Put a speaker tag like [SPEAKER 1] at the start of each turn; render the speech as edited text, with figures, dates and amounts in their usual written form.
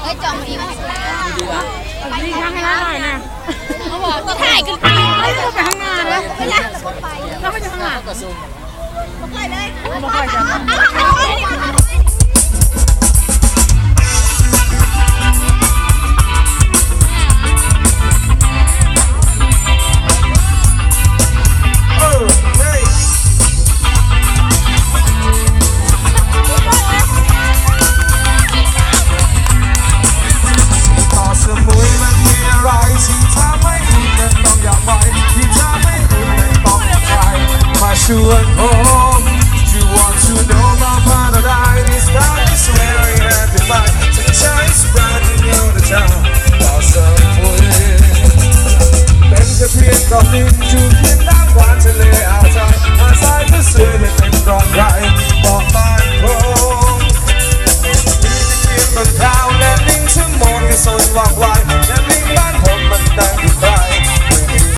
[SPEAKER 1] เฮ้ยจองดีมาก
[SPEAKER 2] ดีข้างหน้าหน่อยนะ
[SPEAKER 1] เขาบอกถ่ายกันไป
[SPEAKER 2] เราไปข้างหน้าเลย
[SPEAKER 1] ไม่ได้
[SPEAKER 2] เราไปข้างหน้า
[SPEAKER 1] ไปเลย
[SPEAKER 2] ไม่ค่อยจะ
[SPEAKER 3] ชวนผม You want to know about paradise This time is very happy fight Sunshine is brightening all the time ต่อสัมผัสเป็นแค่เพียงก้อนดินอยู่เคียงน้ำหวานทะเลอ่าวไทยอาศัยเพื่อสื่อให้เป็นร้อนไรบอกบ้านผมมีเพียงบนเท้าและลิงชั่วโมงที่สนวางไว้และลิงบ้านผมมันแต่ง